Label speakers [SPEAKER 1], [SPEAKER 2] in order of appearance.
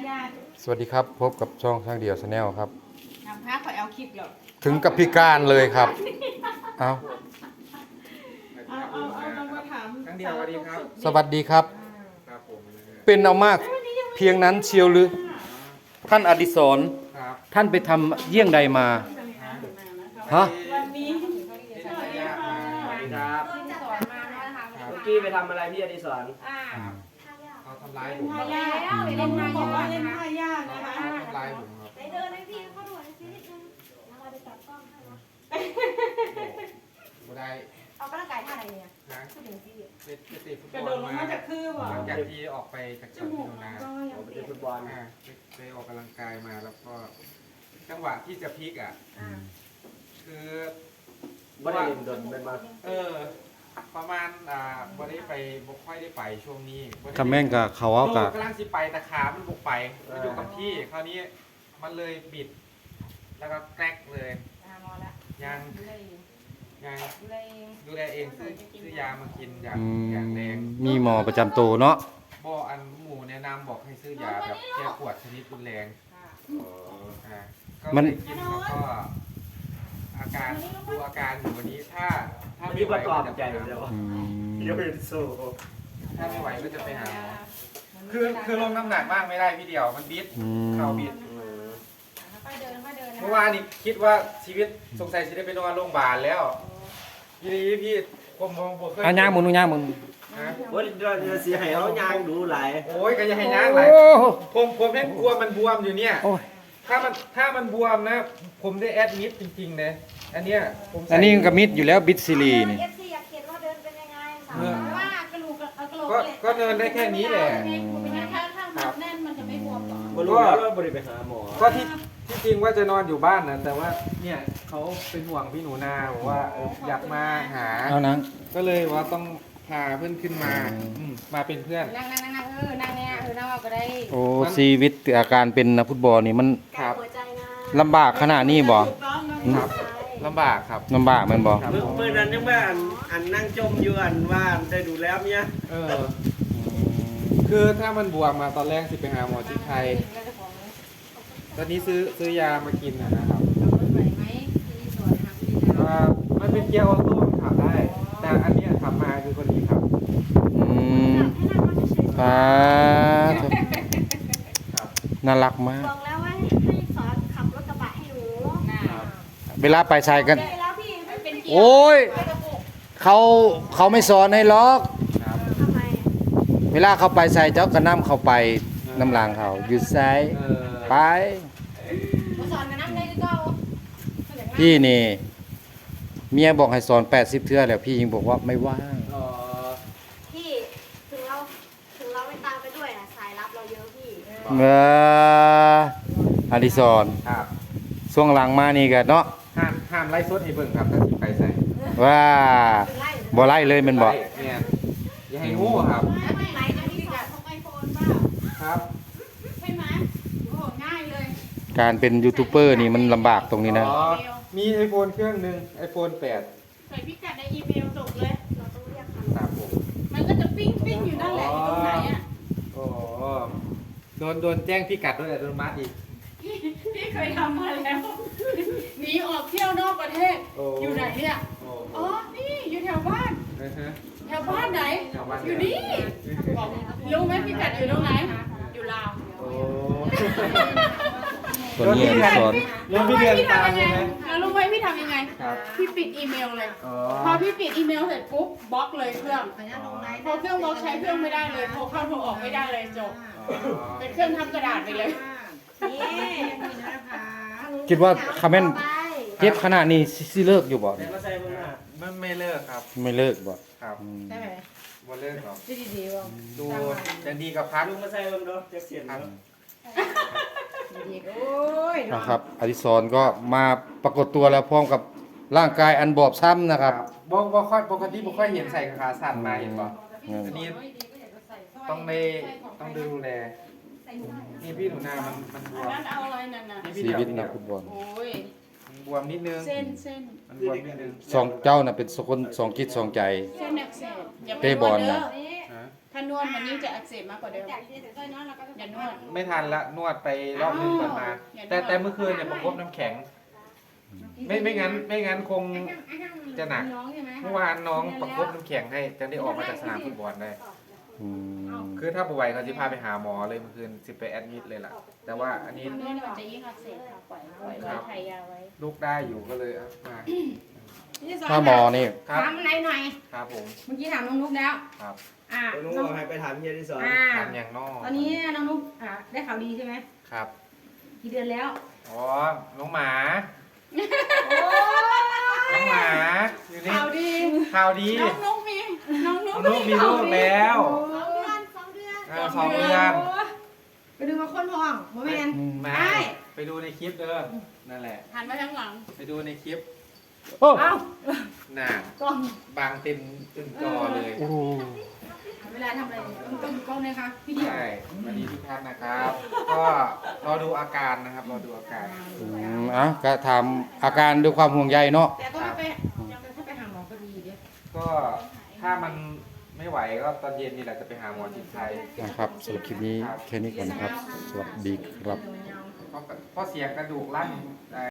[SPEAKER 1] ญาติ
[SPEAKER 2] สวัสดีครับพบกับช่องช่างเดี่ยวชาแนลครับ
[SPEAKER 1] นำพาขอเอาคลิปเหรอ
[SPEAKER 2] ถึงกับพิการเลยครับ เอา
[SPEAKER 1] เอาลองมาถาม
[SPEAKER 3] ครั้งเดียวสวัสดีครับ
[SPEAKER 2] สวัสดีครับ
[SPEAKER 3] ครับผม
[SPEAKER 2] เป็นเอามากเพียงนั้นเชียวหรือท่านอดิศร
[SPEAKER 3] ครับ
[SPEAKER 2] ท่านไปทำเยี่ยงใดมาฮะ
[SPEAKER 1] วันนี้
[SPEAKER 3] สวัสดีครับ
[SPEAKER 4] สอนมาแล้วนะคะ
[SPEAKER 3] เมื่
[SPEAKER 4] เมื่
[SPEAKER 3] อ
[SPEAKER 4] อ
[SPEAKER 3] กี้
[SPEAKER 4] กี้
[SPEAKER 3] ไปทำอะไรพี่อดิศรเขาทำร้าย
[SPEAKER 1] เป็น
[SPEAKER 3] ผม
[SPEAKER 1] ท่ายาก
[SPEAKER 4] เล่นมา
[SPEAKER 1] บอกว่าเล่น
[SPEAKER 4] นะ
[SPEAKER 1] ท่ายากนะคะ
[SPEAKER 3] เขาทำร้ายผมครับ
[SPEAKER 4] ไหนเดินให้พี่เขาดูหน่อยสินิดนึงแล้วเราจะจับกล้องให้นะ
[SPEAKER 3] ไม่ได้
[SPEAKER 4] เอากระต่ายท่าไหนเนี่ย
[SPEAKER 3] นะ
[SPEAKER 4] พูดถึงพี่
[SPEAKER 3] ไปเตะฟุต
[SPEAKER 1] กระ
[SPEAKER 3] บ
[SPEAKER 1] โด
[SPEAKER 3] อ
[SPEAKER 1] ด
[SPEAKER 3] ล
[SPEAKER 1] ลง
[SPEAKER 3] มา
[SPEAKER 1] มาจากคือบ่
[SPEAKER 3] หลังจากที่ออกไปจาก
[SPEAKER 1] จ
[SPEAKER 3] สวน
[SPEAKER 1] มู
[SPEAKER 3] พิ
[SPEAKER 1] ก
[SPEAKER 3] จารณา
[SPEAKER 1] ก็ยัง
[SPEAKER 3] ไป
[SPEAKER 1] เปียก
[SPEAKER 3] ฟุตบอลไปออกกำลังกายมาแล้วก็จังหวะที่จะพลิกอ่ะคือ
[SPEAKER 5] บ่ได้เล่นดนเป็นมา
[SPEAKER 3] ประมาณบ่ได้ไปบ่ค่อยได้ไปช่วงนี้บ่ได้
[SPEAKER 2] คำแม่งกับเขาเอากับ
[SPEAKER 3] กำลังสิไปแต่ขามันบุกไปมันอยู่กับที่คราวนี้มันเลยบิด แล้วก็แกรกเลย
[SPEAKER 4] มอแล้ว
[SPEAKER 3] ยัง
[SPEAKER 4] ดูแลเอง
[SPEAKER 3] ยัง
[SPEAKER 4] ดูแลเอง
[SPEAKER 3] ดูแลเองซื้อยามากินอย่าง
[SPEAKER 2] อื
[SPEAKER 3] อย่างแร
[SPEAKER 2] ม
[SPEAKER 3] ง
[SPEAKER 2] มีหมอประจำตัวเนาะ
[SPEAKER 3] บ่อันหมูแนะนำบอกให้ซื้อยาแบบแก้ปวดชนิดรุนแรงก็เลยกินแล้วก็อาการดูอาการอยู่วันนี้ถ้า
[SPEAKER 5] มีประกอบใจเดียว
[SPEAKER 2] อืม
[SPEAKER 5] เดี๋ยวเป็นโซ่
[SPEAKER 3] ถ้าไม่ไหวก็จะไปหาหมอคือลงน้ำหนักมากไม่ได้พี่เดียวมันบิด
[SPEAKER 2] อืม
[SPEAKER 3] เข่าบิด
[SPEAKER 4] ค่อยเดินค่อยเดินนะ
[SPEAKER 3] เมื่อวานนี้คิดว่าชีวิตสงสัยจะได้ไปนอนโรงพยาบาลแล้วทีนี้พี่ผมมองผมเคย
[SPEAKER 2] อ่ะย่างมึงดูย่างมึง
[SPEAKER 3] ฮะ
[SPEAKER 5] ว่าเดี๋ยวเสียให้เขายางดูหลาย
[SPEAKER 3] โอ้ยก็อย่าให้ย่างไหลาย
[SPEAKER 2] โอ้โห
[SPEAKER 3] ผมแค่กลัวมันบวมอยู่เนี่ย
[SPEAKER 2] โอ้ย
[SPEAKER 3] ถ้ามันบวมนะ ผมได้แอดมิดจริงๆเลยอันเนี้ยผมใส่
[SPEAKER 2] อันนี้ก็มิดอยู่แล้วบิดซิลีนี่
[SPEAKER 4] เอฟซีอยากเห็นว่าเดินเป็นยังไงสาวว่ากระดูกกระโหลก
[SPEAKER 3] ก็เดินได้แค่นี้แหละ
[SPEAKER 1] ถ้ามันแน่นมันจะไม่บวมหรอ
[SPEAKER 5] บ่รู้แล้วว่าบ่ได้ไปหาหมอ
[SPEAKER 3] ก็ที่จริงว่าจะนอนอยู่บ้านนะแต่ว่าเนี่ยเขาเป็นห่วงพี่หนูนาบอกว่าอยากมาหา
[SPEAKER 2] เอานัง
[SPEAKER 3] ก็เลยว่าต้องพาเพื่อนขึ้นมา
[SPEAKER 2] อืม
[SPEAKER 3] มาเป็นเพื่อน
[SPEAKER 4] นั่งนั่งเนี่ยนั่งเอาก็ได้
[SPEAKER 2] โอ้ชีวิตอาการเป็นนักฟุตบอลนี่มัน
[SPEAKER 3] ครับ
[SPEAKER 4] หัวใจนะ
[SPEAKER 2] ลำบากขนาดนี้บ่
[SPEAKER 1] ถูกต้องนะครับ
[SPEAKER 3] ลำบากครับ
[SPEAKER 2] ลำบากแมันบ่
[SPEAKER 3] ครับ
[SPEAKER 5] เมื่อนั้นยังว่าอันนั่งจมอยู่อันว่าได้ดูแล้วเนี่ย
[SPEAKER 3] คือถ้ามันบวมมาตอนแรกสิไปหาหมอที่ไทย ตอนนี้ซื้อยามากินนะครับมันเป็นเกียร์ออโต้มันขับได้ แต่อันเนี้ยขับมาคือคนนี้ครับ
[SPEAKER 2] อืมป้าด
[SPEAKER 3] ครับ
[SPEAKER 2] น่ารักมาก
[SPEAKER 4] บอกแล้วว่าให้สอนขับรถกระบะให้หนู
[SPEAKER 3] ครับ
[SPEAKER 2] เวลาไปชายกัน
[SPEAKER 4] ได้แล้วพี่ไม่เป็น
[SPEAKER 2] โอ้ยเขาไม่สอนให้ล็อก
[SPEAKER 3] ครับ
[SPEAKER 4] ทำไม
[SPEAKER 2] เวลาเขาไปใส่เจ้าก็นำเขาไปน้ำลางเขาอยู่ไซไป
[SPEAKER 4] สอนกันนั่งได้ก็
[SPEAKER 2] พี่นี่เมียบอกให้สอน80เทื่อแล้วพี่ยังบอกว่าไม่ว่าง
[SPEAKER 4] พี่ถึงเราไม่ตามไปด้วยนะสายรับเราเยอะพี่
[SPEAKER 2] เอออดิศร
[SPEAKER 3] ครับ
[SPEAKER 2] ช่วงหลังมานี่ก็เนาะ
[SPEAKER 3] ห้ามไล่สดให้เบิ่งครับถ้าสิไปใส่
[SPEAKER 2] ว่า
[SPEAKER 4] ถึงไล่
[SPEAKER 2] บ่ไล่เลยแมันบอก
[SPEAKER 3] เนี่ยอย่าให้งูครับ
[SPEAKER 4] ไม่ไล่นะพี่สอน
[SPEAKER 1] ของไอโฟนเปล่า
[SPEAKER 3] ครับ
[SPEAKER 1] ใช่ไหมโอ้โหง่ายเลย
[SPEAKER 2] การเป็นยูทูบเบอร์นี่มันลำบากตรงนี้นะ
[SPEAKER 3] อ๋อมี iPhone เครื่องหนึ่ง iPhone 8
[SPEAKER 1] ใส่พิกัดในอีเมลส่งเลย
[SPEAKER 4] เราต้องเรียก
[SPEAKER 3] ครับผม
[SPEAKER 1] มันก็จะปิ้งปิ้งอยู่นั่นแหละอยู่ตรงไหนอ่ะ
[SPEAKER 3] โอ้โดนแจ้งพิกัดด้วยอัตโนมัติอีก
[SPEAKER 1] พี่เคยทำมาแล้ว หนีออกเที่ยวนอกประเทศ
[SPEAKER 3] โอ้
[SPEAKER 1] อยู่ไหนเนี่ย
[SPEAKER 3] โอ้
[SPEAKER 1] อ๋อ นี่อยู่แถวบ้าน
[SPEAKER 3] อือฮะ
[SPEAKER 1] แถวบ้านไหน
[SPEAKER 3] แถวบ้าน
[SPEAKER 1] อยู่นี่บอกรู้ไหมพี่กัดอยู่ตรงไหน อยู่ลาว
[SPEAKER 3] โอ้
[SPEAKER 2] ตัวนี้อดิศร
[SPEAKER 3] แล้วพี่เดือนตามใช่ไหม
[SPEAKER 1] แล้วรู้ไหมพี่ทำยังไง
[SPEAKER 3] ครับ
[SPEAKER 1] พี่ปิดอีเมลเลย
[SPEAKER 3] อ๋อ
[SPEAKER 1] พอพี่ปิดอีเมลเสร็จปุ๊บบล็อกเลยเครื่อง พอเครื่องบล็อกใช้เครื่องไม่ได้เลย โทรเข้าโทรออกไม่ได้เลยจบ เป็นเครื่องทำกระดาษไปเลย
[SPEAKER 4] นี่
[SPEAKER 2] คิดว่าคาเมนเจ็บขนาดนี้สิเลิกอยู่บ่
[SPEAKER 5] แต่มาใส่เบิ่งหน้า
[SPEAKER 3] มันไม่เลิกครับ
[SPEAKER 2] ไม่เลิกบ่
[SPEAKER 3] ครับ
[SPEAKER 2] อืม
[SPEAKER 1] ได้ไหม
[SPEAKER 3] บ่เลิกหรอก
[SPEAKER 1] ดีๆว่า
[SPEAKER 3] ดูจะดีกับพัก
[SPEAKER 5] ลุงมาใส่เบิ่งเด้อจักเสียน
[SPEAKER 3] ครับ
[SPEAKER 5] เด้อ
[SPEAKER 1] ดีๆโอ้ย
[SPEAKER 2] นะครับอดิศรก็มาปรากฏตัวแล้วพร้อมกับร่างกายอันบอบช้ำนะครับ
[SPEAKER 3] บ่ค่อยปกติบ่ค่อยเห็นใส่ขาสั้นมาเห็นป่ะ
[SPEAKER 2] อืม
[SPEAKER 3] อันนี้ต้องดูแลนี่พี่หนูนามันบวม
[SPEAKER 1] นั่นเอาอะไรนั่นน่ะ
[SPEAKER 3] นี่พี่
[SPEAKER 2] ชี
[SPEAKER 3] เดียว
[SPEAKER 2] วิต
[SPEAKER 3] พี่
[SPEAKER 2] นั
[SPEAKER 3] เดี
[SPEAKER 2] ก
[SPEAKER 3] ยว
[SPEAKER 2] ฟุตบอล
[SPEAKER 1] โอ้ย
[SPEAKER 3] มันบวมนิดนึง
[SPEAKER 1] เส้น
[SPEAKER 3] มันบวมนิดนึง
[SPEAKER 2] สองเจ้าน่ะเป็นคนสองจิตสองใจ
[SPEAKER 1] เส้นอักเสบอย่าไป
[SPEAKER 2] เตะบอล
[SPEAKER 1] นวดเด้
[SPEAKER 2] น่ะ
[SPEAKER 3] ฮะ
[SPEAKER 1] ถ้าานวดมันยิ่งจะอักเสบมากกว่าเดิม
[SPEAKER 4] จากที่เสร็จต้อยน้อยเราก็จะ
[SPEAKER 1] อย่านวด
[SPEAKER 3] ไม่ทันละนวดไปรอบนึงก่อนมา
[SPEAKER 1] อย่านวด
[SPEAKER 3] แต่เมื่อคืนเนี่ยประคบน้ำแข็ง ไม่งั้นคงจะหนัก
[SPEAKER 4] น้องใช่ไหม
[SPEAKER 3] เมื่อวานน้องประคบน้ำแข็งให้จังได้ออกมาจากสนามฟุตบอลได้
[SPEAKER 2] อืม
[SPEAKER 3] คือถ้าป่วยเขาจะพาไปหาหมอเลยเมื่อคืนสิไปแอดมิดเลยล่ะ แต่ว่าอันนี้
[SPEAKER 1] ทำนวดมันจะยิ่งอักเสบค่ะปล่อยไว้ไทยยาไว้
[SPEAKER 3] ลูกได้อยู่ก็เลยเอามา
[SPEAKER 2] ถ้าหมอนี่
[SPEAKER 3] ครับ
[SPEAKER 1] ถามอะไรหน่อย
[SPEAKER 3] ครับผม
[SPEAKER 1] เมื่อกี้ถามน้องนุ๊กแล้ว
[SPEAKER 3] ครับ
[SPEAKER 5] น้องบอกให้ไปถามเฮียที่สอน
[SPEAKER 3] ทานอย่างนอก
[SPEAKER 1] ตอนนี้น้องนุ๊กได้ข่าวดีใช่ไหม
[SPEAKER 3] ครับ
[SPEAKER 1] กี่เดือนแล้ว
[SPEAKER 3] อ๋อ น้องหมา น้องหมาอยู่นี่
[SPEAKER 1] ข่าวดี
[SPEAKER 3] ข่าวดี
[SPEAKER 1] น้องนุ๊กมีน้องนุ๊ก
[SPEAKER 3] น้องนุ๊กมีลูกแล้ว
[SPEAKER 4] 2 เดือน
[SPEAKER 3] 2 เดือน
[SPEAKER 1] ไปดูมาค้นห้องโมเมนต์
[SPEAKER 3] มา
[SPEAKER 1] ได้
[SPEAKER 3] ไปดูในคลิปเด้อ นั่นแหละ
[SPEAKER 1] หันมาทางหลัง
[SPEAKER 3] ไปดูในคลิป
[SPEAKER 2] โอ้
[SPEAKER 1] เอ้า
[SPEAKER 3] น่ะ
[SPEAKER 1] กล้อง
[SPEAKER 3] บางเต็มจอเลย
[SPEAKER 2] โอ้
[SPEAKER 1] เวลาทำอะไรต้องดูกล้องเลยค่ะพี่เดียว
[SPEAKER 3] ใช่สวัสดีทุกท่านนะครับ ก็รอดูอาการนะครับ รอดูอาการ
[SPEAKER 2] อ่ะก็ถามอาการด้วยความห่วงใยเนาะ
[SPEAKER 1] แต่ต้องไปถ้าไปหาหมอก็ดีเดี๋ยว
[SPEAKER 3] ก็ถ้ามันไม่ไหวก็ตอนเย็นนี่แหละจะไปหาหมอจิตใจ
[SPEAKER 2] นะครับสำหรับคลิปนี้แค่นี้ก่อนนะครับ สวัสดีครับ
[SPEAKER 3] เพราะเสียงกระดูกลั่น